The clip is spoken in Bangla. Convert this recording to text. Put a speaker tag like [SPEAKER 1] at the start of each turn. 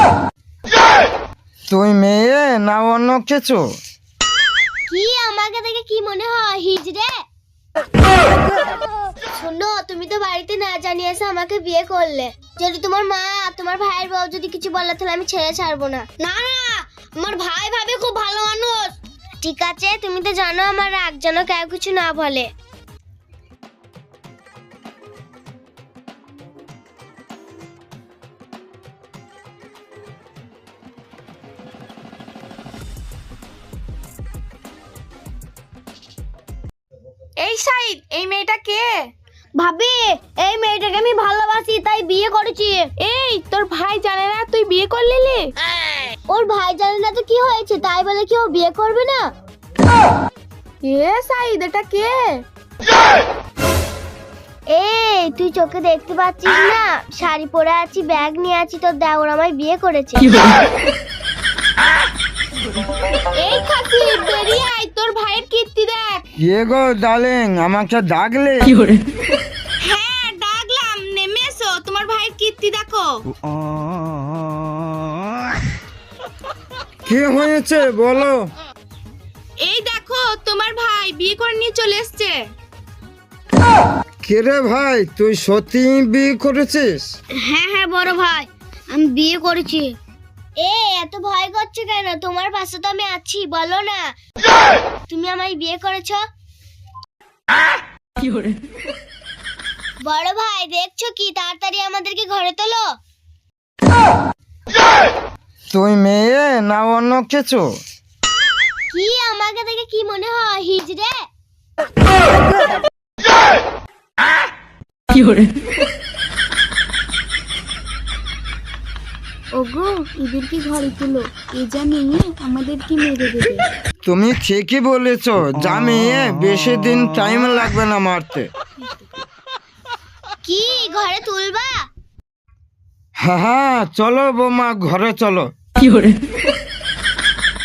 [SPEAKER 1] তুই মেয়ে না অন্য কিছু?
[SPEAKER 2] কি আমাকে দেখে কি মনে হয় হিজড়ে? শোনো, তুমি তো বাড়িতে না জানিয়ে এসে আমাকে বিয়ে করলে। যদি তোমার মা তোমার ভাইয়ের বউ যদি কিছু বলে তাহলে আমি ছেড়ে ছাড়বো না। না না, আমার ভাই ভাবে খুব ভালো মানুষ। ঠিক আছে, তুমি তো জানো আমার রাগ যেন কেউ কিছু না বলে।
[SPEAKER 3] এই সাইদ, এই মেয়েটা কে?
[SPEAKER 2] ভাবি, এই মেয়েটাকে আমি ভালোবাসি তাই বিয়ে করেছি।
[SPEAKER 3] এই তোর ভাই জানে না তুই বিয়ে করলি?
[SPEAKER 2] ওর ভাই জানে না তো কি হয়েছে, তাই বলে কি ও বিয়ে করবে না?
[SPEAKER 3] এ সাইদ, এটা কে?
[SPEAKER 2] এই তুই চোখে দেখতে পাচ্ছিস না? শাড়ি পরে আছি, ব্যাগ নিয়ে আছি, তোর দেওর আমায় বিয়ে করেছে।
[SPEAKER 3] এই খাসি, বেরিয়ে আয়, তোর ভাইয়ের কীর্তি দেখ।
[SPEAKER 1] কে গো ডার্লিং, আমাকে ডাকলে?
[SPEAKER 3] হ্যাঁ ডাকলাম, নেমে এসো, তোমার ভাইয়ের কীর্তি দেখো।
[SPEAKER 1] কি হয়েছে বলো?
[SPEAKER 3] এই দেখো, তোমার ভাই বিয়ে করে নিয়ে চলে এসছে।
[SPEAKER 1] কে রে ভাই, তুই সত্যি বিয়ে করেছিস?
[SPEAKER 2] হ্যাঁ হ্যাঁ বড় ভাই, আমি বিয়ে করেছি। এত ভয় করছো কেন? তোমার পাশে তো আমি আছি, বলো না তুমি আমায় বিয়ে করেছো। বড় ভাই দেখছো কি? তাড়াতাড়ি আমাদেরকে ঘরে তোলো।
[SPEAKER 1] তুই মেয়ে না অন্য কিছু?
[SPEAKER 2] কি আমাকে দেখে কি মনে হয় হিজড়ে?
[SPEAKER 3] ওগো, এদেরকে ঘরে তুলো, এ যা মেয়ে আমাদেরকে মেরে দেবে।
[SPEAKER 1] তুমি ঠিকই বলেছ, যা মেয়ে, বেশি দিন টাইম লাগবে না মারতে।
[SPEAKER 2] কি ঘরে তুলবা?
[SPEAKER 1] হ্যাঁ হ্যাঁ, চলো বৌমা, ঘরে চলো।